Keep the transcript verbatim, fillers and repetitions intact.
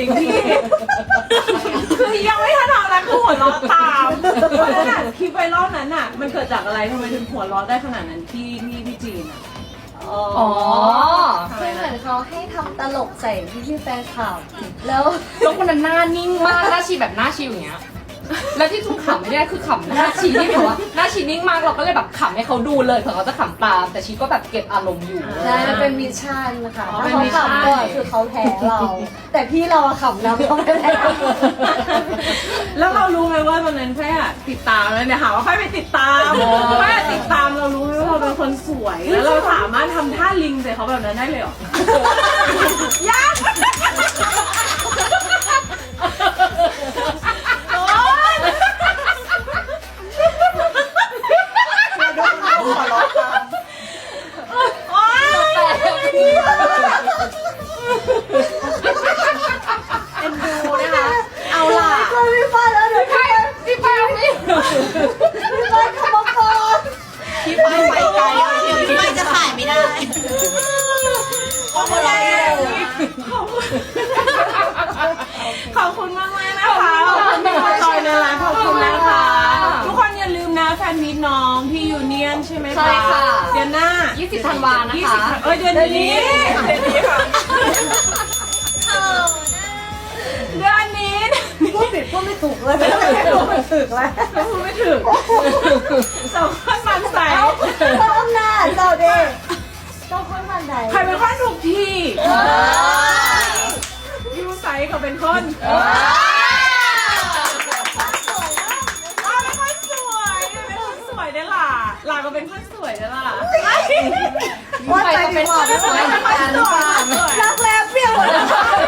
ริงๆพี่คือยังไม่ทันทำอะไรคือหัวเราะตามเพราะฉะนั้นคลิปไวรัลนั้นอ่ะมันเกิดจากอะไรทำไมถึงหัวเราะได้ขนาดนั้นที่ที่พี่จีนอ่ะอ๋อคือเหมือนเขาให้ทำตลกใส่พี่พี่ๆแฟนคลับแล้วแล้วคนนั้นหน้านิ่งมากหน้าชีแบบหน้าชิวอย่างเงี้ยแล้วที่ทุ่งขำไม่ได้คือขำหน้าชีที่แบบว่าหน้าชีนิ่งมากเราก็เลยแบบขำให้เขาดูเลยเผื่อเขาจะขำตามแต่ชีก็แบบเก็บอารมณ์อยู่ใช่มันเป็นมิชชั่นนะคะอ๋อถ้าเป็นเขามิชชั่นขำก่อนคือเขาแพ้เรา แต่พี่เราอะขำแล้วเขาไม่แพ้แล้วเรารู้ไหมว่าตอนนั้นแค่ติดตามแล้วเนี่ยหาว่าแค่ไปติดตามแค่ติดตามเรารู้ไหมว่าเราเป็นคนสวยแล้วเราสามารถทำท่าลิงใส่เขาแบบนั้นได้เลยเหรอยากโอ๊ย โอ๊ยเอ็นดูนะคะ เอาล่ะพี่ฟ้าแล้วเดี๋ยวพี่ฟ้าพี่ป้าพี่พี่ฟ้าขโมยก่อนพี่ไปไปไกลไม่จะขายไม่ได้ขอบคุณขอบคุณขอบคุณมากมากนะคะขอบคุณที่มาจอยในร้านขอบคุณนะคะ ทุกคนอย่าลืมนะแฟนมิตน้องที่ยูเนียนใช่ไหมคะใช่ค่ะเดือนหน้ายี่สิบธันวานะยี่คะสิบเอ้ยเดือนนี้เดือนนี้ค่ะเดือนนี้พูดผิดพูดไม่ถูกเลยไม่ถูกไม่ถูกแล้วพูดไม่ถึงสองคนมันใสต้องหน้าเจ้าเด็กต้องคนมันไหนใครเป็นคนถูกที่ยูใสก็เป็นคนเราเป็นคนสวยเป็นคนสวยได้ล่ะหลาก็เป็นคนสวยได้ล่ะว่าใจดีกว่าไม่ไหวเป็นคนสวยรักแร้เปรี้ยวหมดเลย